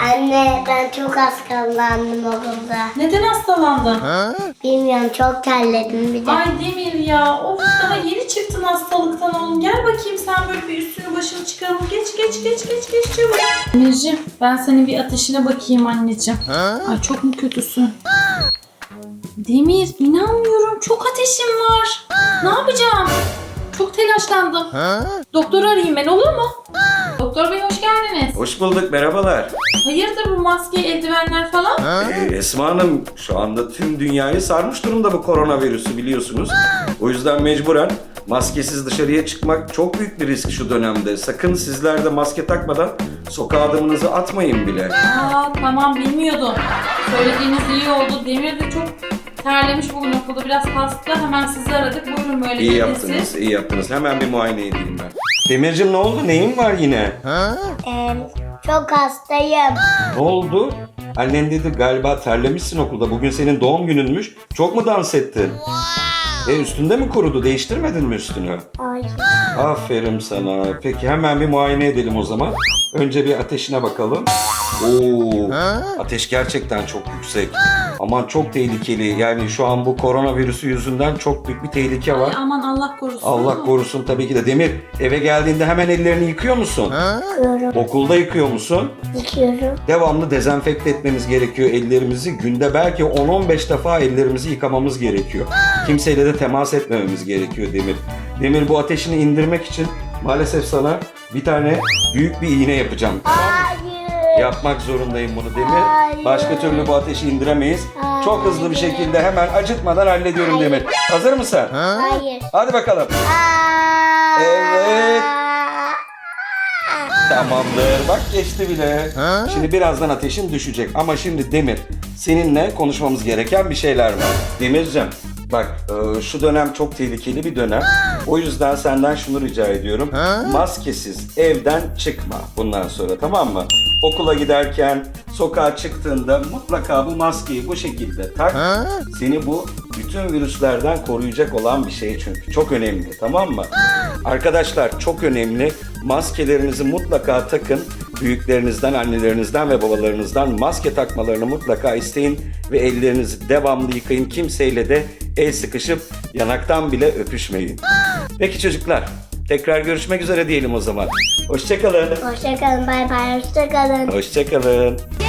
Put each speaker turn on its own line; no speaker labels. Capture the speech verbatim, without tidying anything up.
Anne ben çok hastalandım okulda.
Neden hastalandın?
Bilmiyorum çok terledim bir de.
Ay Demir ya. Of, daha yeni çıktın hastalıktan oğlum. Gel bakayım sen böyle bir üstünü başını çıkaralım. Geç geç geç geç geç çabuk. Demirciğim ben senin bir ateşine bakayım anneciğim. Ay çok mu kötüsün? Demir inanmıyorum. Çok ateşim var. Ne yapacağım? Çok telaşlandım. Doktoru arayayım ben, olur mu? Doktor bey hoş geldiniz.
Hoş bulduk, merhabalar.
Hayırdır bu maske, eldivenler falan?
Ee, Esma Hanım, şu anda tüm dünyayı sarmış durumda bu koronavirüsü biliyorsunuz. O yüzden mecburen maskesiz dışarıya çıkmak çok büyük bir risk şu dönemde. Sakın sizler de maske takmadan sokağa adımınızı atmayın bile.
Aa tamam, bilmiyordum. Söylediğiniz iyi oldu. Demir de çok terlemiş bugün okulda. Biraz hasta. Hemen sizi aradık. Buyurun böyle
İyi
gelin
yaptınız,
siz.
iyi yaptınız. Hemen bir muayene edeyim ben. Demircim ne oldu? Neyin var yine?
Ee, çok hastayım.
Ne oldu? Annen dedi galiba terlemişsin okulda. Bugün senin doğum gününmüş. Çok mu dans ettin? E üstünde mi kurudu? Değiştirmedin mi üstünü?
Ay.
Aferin sana. Peki hemen bir muayene edelim o zaman. Önce bir ateşine bakalım. Oo, ateş gerçekten çok yüksek. Aman çok tehlikeli. Yani şu an bu koronavirüsü yüzünden çok büyük bir tehlike var.
Ay, aman Allah korusun.
Allah korusun tabii ki de. Demir, eve geldiğinde hemen ellerini yıkıyor musun?
Yıkıyorum.
Okulda yıkıyor musun?
Yıkıyorum.
Devamlı dezenfekte etmemiz gerekiyor ellerimizi. Günde belki on on beş defa ellerimizi yıkamamız gerekiyor. Kimseyle de temas etmememiz gerekiyor Demir. Demir, bu ateşini indirmek için maalesef sana bir tane büyük bir iğne yapacağım.
Hayır.
Yapmak zorundayım bunu Demir.
Hayır.
Başka türlü bu ateşi indiremeyiz.
Hayır.
Çok hızlı bir şekilde hemen acıtmadan hallediyorum Demir. Hazır mısın?
Hayır.
Hadi bakalım.
Aa.
Evet. Tamamdır. Bak geçti bile. Şimdi birazdan ateşin düşecek. Ama şimdi Demir, seninle konuşmamız gereken bir şeyler var. Demircim, bak e, şu dönem çok tehlikeli bir dönem. O yüzden senden şunu rica ediyorum. Maskesiz evden çıkma bundan sonra, tamam mı? Okula giderken, sokağa çıktığında mutlaka bu maskeyi bu şekilde tak. Seni bu bütün virüslerden koruyacak olan bir şey çünkü. Çok önemli, tamam mı? Arkadaşlar çok önemli. Maskelerinizi mutlaka takın. Büyüklerinizden, annelerinizden ve babalarınızdan maske takmalarını mutlaka isteyin. Ve ellerinizi devamlı yıkayın. Kimseyle de el sıkışıp yanaktan bile öpüşmeyin. Peki çocuklar, tekrar görüşmek üzere diyelim o zaman. Hoşçakalın.
Hoşçakalın. Bay bay. Hoşçakalın.
Hoşçakalın.